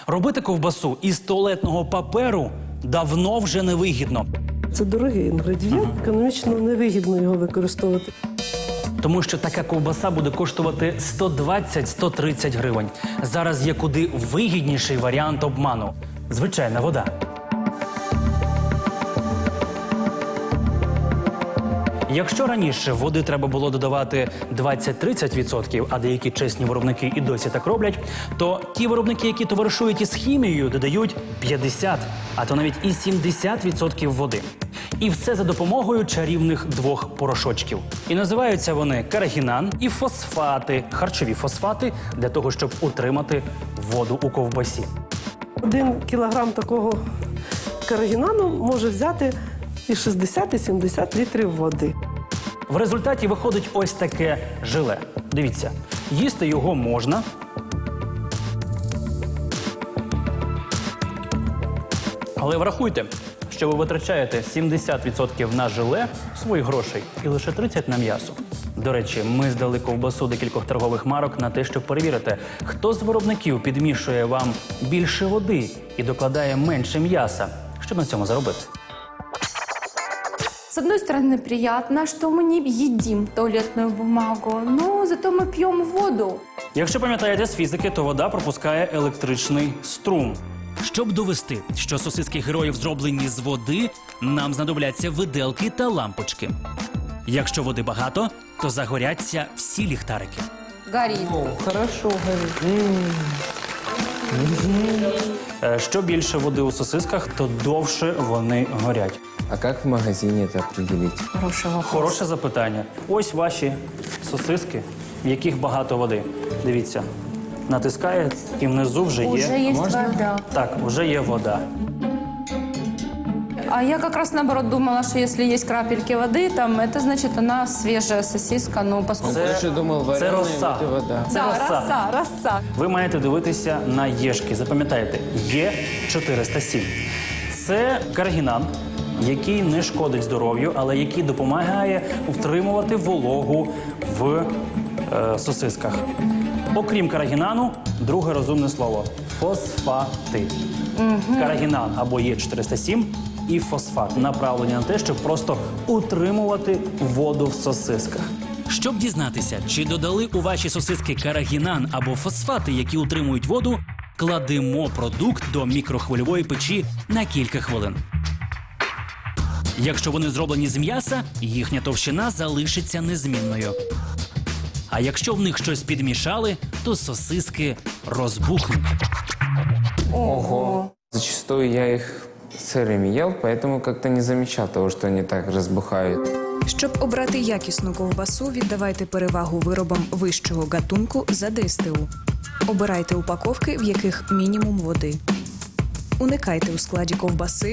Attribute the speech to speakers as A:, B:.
A: Робити ковбасу із туалетного паперу давно вже невигідно.
B: Це дорогий інгредієнт, економічно невигідно його використовувати.
A: Тому що така ковбаса буде коштувати 120-130 гривень. Зараз є куди вигідніший варіант обману – звичайна вода. Якщо раніше води треба було додавати 20-30%, а деякі чесні виробники і досі так роблять, то ті виробники, які товаришують із хімією, додають 50, а то навіть і 70% води. І все за допомогою чарівних двох порошочків. І називаються вони карагінан і фосфати, харчові фосфати, для того, щоб утримати воду у ковбасі.
B: 1 кілограм такого карагінану може взяти і 60, і 70 літрів води.
A: В результаті виходить ось таке желе. Дивіться, їсти його можна. Але врахуйте, що ви витрачаєте 70% на желе своїх грошей і лише 30% на м'ясо. До речі, ми здали ковбасу декількох торгових марок на те, щоб перевірити, хто з виробників підмішує вам більше води і докладає менше м'яса, щоб на цьому заробити.
C: С одной стороны, приятно, что мы не едим туалетную бумагу, но зато мы пьем воду.
A: Якщо пам'ятаєте з фізики, то вода пропускає електричний струм. Щоб довести, що сосиски героїв зроблені з води, нам знадобляться виделки та лампочки. Якщо води багато, то загоряться всі ліхтарики.
C: Горит.
D: Хорошо горит.
A: Що більше води у сосисках, то довше вони горять.
D: А как в магазине это определить?
C: Хороший вопрос.
A: Хороше запитання. Ось ваші сосиски, в яких багато води. Дивіться, натискає і внизу вже
C: Уже
A: є.
C: есть вода.
A: Так, вже є вода.
C: А я как раз наоборот думала, что если есть крапельки воды, там это значит она свежая сосиска, ну поскольку...
D: Я же думал,
A: це
D: вареная
A: роса.
D: вот и вода.
A: Це роса.
C: роса.
A: Ви маєте дивитися на єшки. Запам'ятайте, Є407. Це карагінан, який не шкодить здоров'ю, але який допомагає втримувати вологу в сосисках. Окрім карагінану, друге розумне слово – фосфати. Карагінан або Є407 і фосфат направлені на те, щоб просто утримувати воду в сосисках. Щоб дізнатися, чи додали у ваші сосиски карагінан або фосфати, які утримують воду, кладемо продукт до мікрохвильової печі на кілька хвилин. Якщо вони зроблені з м'яса, їхня товщина залишиться незмінною. А якщо в них щось підмішали, то сосиски розбухнуть.
D: Ого. Зачастую я их сырыми ел, поэтому как-то не замечал того, что они так разбухают.
E: Щоб обрати якісну ковбасу, віддавайте перевагу виробам вищого гатунку за ДСТУ. Обирайте упаковки, в яких мінімум води. Уникайте у складі ковбаси